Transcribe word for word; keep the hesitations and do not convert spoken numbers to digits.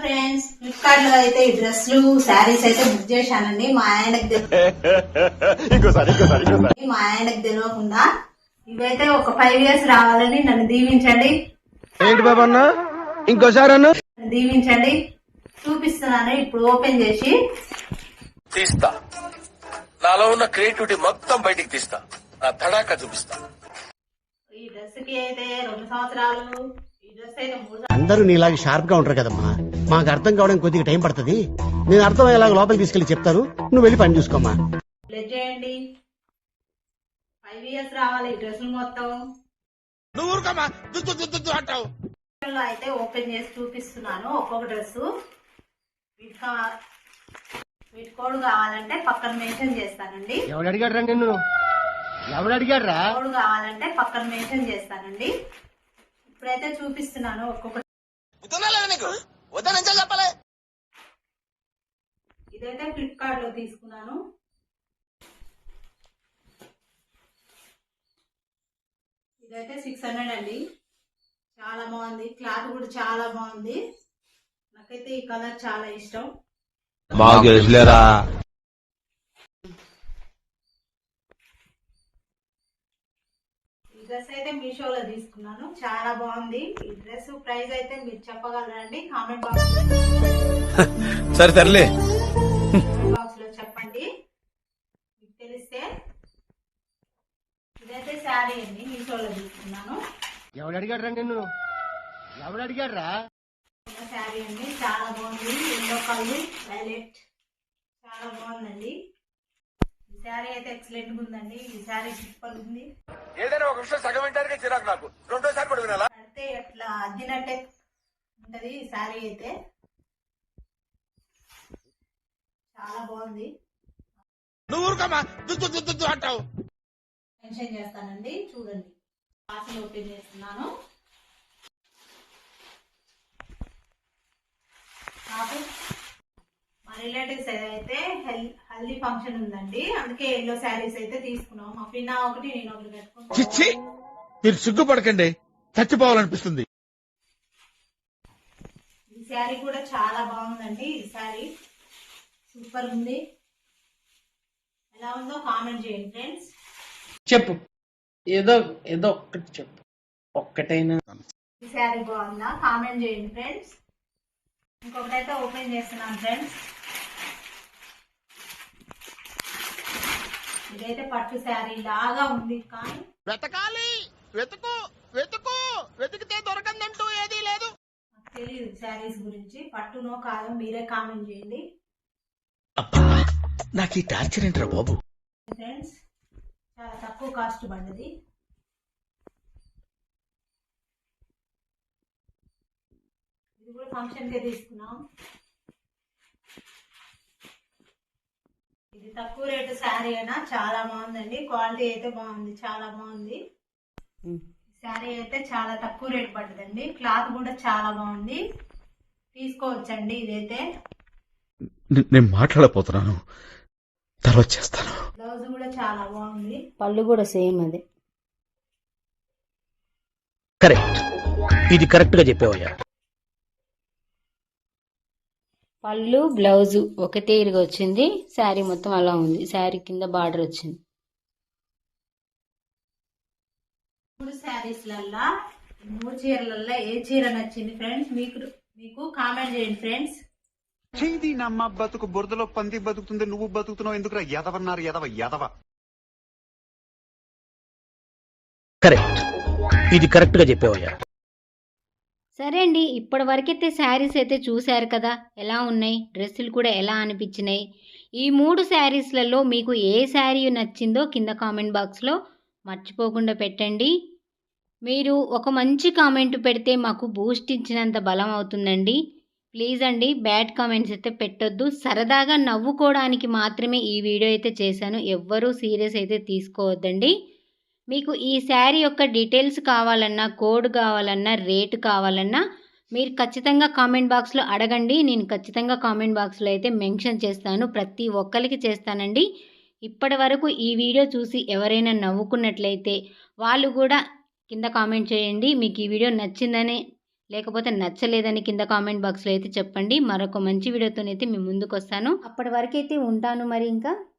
Friends, Flipkart లో అయితే ఈ డ్రెస్లు శారీస్ అయితే బుక్ చేశానండి. మా ఆయనకు మా ఆయనకు తెలియకుండా ఇవైతే ఒక ఫైవ్ ఇయర్స్ రావాలని నన్ను దీవించండి. ఏంటి బాబా అన్న ఇంకోసారి అన్న దీవించండి. చూపిస్తున్నాను ఇప్పుడు ఓపెన్ చేసి తీస్తా. నాలో ఉన్న క్రియేటివిటీ మొత్తం బయటికి తీస్తా. నా తడాక చూపిస్తా. ఈ డ్రెస్ కి అయితే రెండు సంవత్సరాలు, ఈ డ్రెస్ అయితే మూడు అందరూ నీలాగా షార్ప్ గా ఉంటారు కదమ్మా. మాకు అర్థం కావడం కొద్దిగా టైం పడుతుంది. నేను అర్థం అయ్యేలాగా లోపలికి తీసుకెళ్లి చెప్తాను, నువ్వు వెళ్ళి పని చూసుకోమ్మా. ప్లే చేయండి. ఫైవ్ ఇయర్స్ రావాలి ఈ డ్రెస్సులు మొత్తం. అయితే ఓపెన్ చేసి చూపిస్తున్నాను ఒక్కొక్క డ్రెస్. వీటి కోడ్ కావాలంటే పక్కన మెన్షన్ చేస్తానండి. ఎవడు అడిగాడు రా నిన్ను? ఎవడు అడిగాడు రా? కోడ్ కావాలంటే పక్కన మెన్షన్ చేస్తానండి. ఇప్పుడైతే చూపిస్తున్నాను ఒక్కొక్క. ఇదైతే ఫ్లిప్కార్ట్ లో తీసుకున్నాను. ఇదైతే సిక్స్ హండ్రెడ్ అండి. చాలా బాగుంది, క్లాత్ కూడా చాలా బాగుంది. నాకైతే ఈ కలర్ చాలా ఇష్టం. ఈ డ్రెస్ అయితే మీషోలో తీసుకున్నాను, చాలా బాగుంది. ఈ డ్రెస్ ప్రైస్ అయితే మీరు చెప్పగలరండి? కామెంట్ బాక్స్ సరే తరలే బాక్స్ లో చెప్పండి మీకు తెలిస్తే. ఇదైతే శారీ అండి, మీషోలో తీసుకున్నాను. ఎవడు అడిగాడు రా నిన్ను? ఎవడు అడిగాడు రా? శారీ అండి, చాలా బాగుంది. ఎల్లో కలర్ వైలెట్, చాలా బాగుందండి. ఈ శారీ అయితే ఎక్సలెంట్ గా ఉందండి. ఈ శారీ సూపర్ ఉంది. ఏదైనా ఒక విషయం సగం వింటానికి చిరాకు నాకు. రెండోసారి కూడా వినాలా? అయితే అట్లా అద్దినట్టే ఉంటది ఈ శారీ అయితే. చాలా బాగుంది. మెన్షన్ చేస్తానండి, చూడండి. పార్సల్ ఓపెన్ చేస్తున్నాను. నాకు మా రిలేటివ్స్ అయితే హల్దీ ఫంక్షన్ ఉందండి, అందుకే ఎల్లో శారీస్ అయితే తీసుకున్నాం. మా పిన్న ఒకటి, నేను ఒకటి పెట్టుకుంటాను. మీరు సిగ్గుపడకండి, చచ్చిపోవాలనిపిస్తుంది. ఈ శారీ కూడా చాలా బాగుందండి. ఈ శారీ సూపర్ ఉంది. ఎలా ఉందో కామెంట్ చేయండి ఫ్రెండ్స్. చెప్పు, ఏదో ఏదో ఒక్కటి చెప్పు, ఒక్కటైనా. ఈ శారీ బాగుందా కామెంట్ చేయండి ఫ్రెండ్స్. ఇంకొకటైతే ఓపెన్ చేస్తున్నాను ఫ్రెండ్స్. ఇదైతే పట్టు శారీ లాగా ఉంది, కానీ వెతకాలి, వెతుకు వెతుకు వెతికితే దొరకందంటూ ఏదీ లేదు. నాకు తెలియదు శారీస్ గురించి, పట్టునో కాదో మీరే కామెంట్ చేయండి నాకు ఈ టార్చర్ ఏంట్రా బాబు. ఫ్రెండ్స్, చాలా తక్కువ కాస్ట్ పడ్డది. ఇది కూడా ఫంక్షన్ కే తీసుకున్నాం. ఇది తక్కువ రేటు శారీ అయినా చాలా బాగుందండి. క్వాలిటీ అయితే బాగుంది, చాలా బాగుంది. శారీ అయితే చాలా తక్కువ రేటు పడ్డదండి. క్లాత్ కూడా చాలా బాగుంది, తీసుకోవచ్చండి. ఇదైతే నేను మాట్లాడపోతున్నాను, తర్వాత చేస్తాను. బ్లౌజ్ కూడా చాలా బాగుంది. పళ్ళు కూడా సేమ్ అదే. కరెక్ట్, ఇది కరెక్ట్ గా చెప్పేవయ్యా. పళ్ళు బ్లౌజు ఒక తీరుగా వచ్చింది. శారీ మొత్తం అలా ఉంది. శారీ కింద బార్డర్ వచ్చింది. మూడు శారీస్లల్లా, మూడు చీరలల్లా ఏ చీర నచ్చింది ఫ్రెండ్స్? మీకు మీకు కామెంట్ చేయండి ఫ్రెండ్స్. చేది నమ్మ బతుకు బురదలో పంది బతుకుతుంది, నువ్వు బతుకుతున్నావు ఎందుకురా? ఎదవన్నారు ఎదవ ఎదవ. కరెక్ట్, ఇది కరెక్ట్ గా చెప్పేవయ్యా. సరే అండి, ఇప్పటి వరకైతే శారీస్ అయితే చూశారు కదా, ఎలా ఉన్నాయి, డ్రెస్సులు కూడా ఎలా అనిపించినాయి. ఈ మూడు శారీస్లలో మీకు ఏ శారీ నచ్చిందో కింద కామెంట్ బాక్స్లో మర్చిపోకుండా పెట్టండి. మీరు ఒక మంచి కామెంట్ పెడితే మాకు బూస్ట్ ఇచ్చినంత బలం అవుతుందండి. ప్లీజ్ అండి, బ్యాడ్ కామెంట్స్ అయితే పెట్టొద్దు. సరదాగా నవ్వుకోవడానికి మాత్రమే ఈ వీడియో అయితే చేశాను. ఎవ్వరూ సీరియస్ అయితే తీసుకోవద్దండి. మీకు ఈ శారీ యొక్క డీటెయిల్స్ కావాలన్నా, కోడ్ కావాలన్నా, రేటు కావాలన్నా మీరు ఖచ్చితంగా కామెంట్ బాక్స్లో అడగండి. నేను ఖచ్చితంగా కామెంట్ బాక్స్లో అయితే మెన్షన్ చేస్తాను, ప్రతి ఒక్కరికి చేస్తానండి. ఇప్పటి వరకు ఈ వీడియో చూసి ఎవరైనా నవ్వుకున్నట్లయితే వాళ్ళు కూడా కింద కామెంట్ చేయండి. మీకు ఈ వీడియో నచ్చిందని, లేకపోతే నచ్చలేదని కింద కామెంట్ బాక్స్లో అయితే చెప్పండి. మరొక మంచి వీడియోతోనైతే మీ ముందుకు వస్తాను. అప్పటి వరకు అయితే ఉంటాను మరి ఇంకా.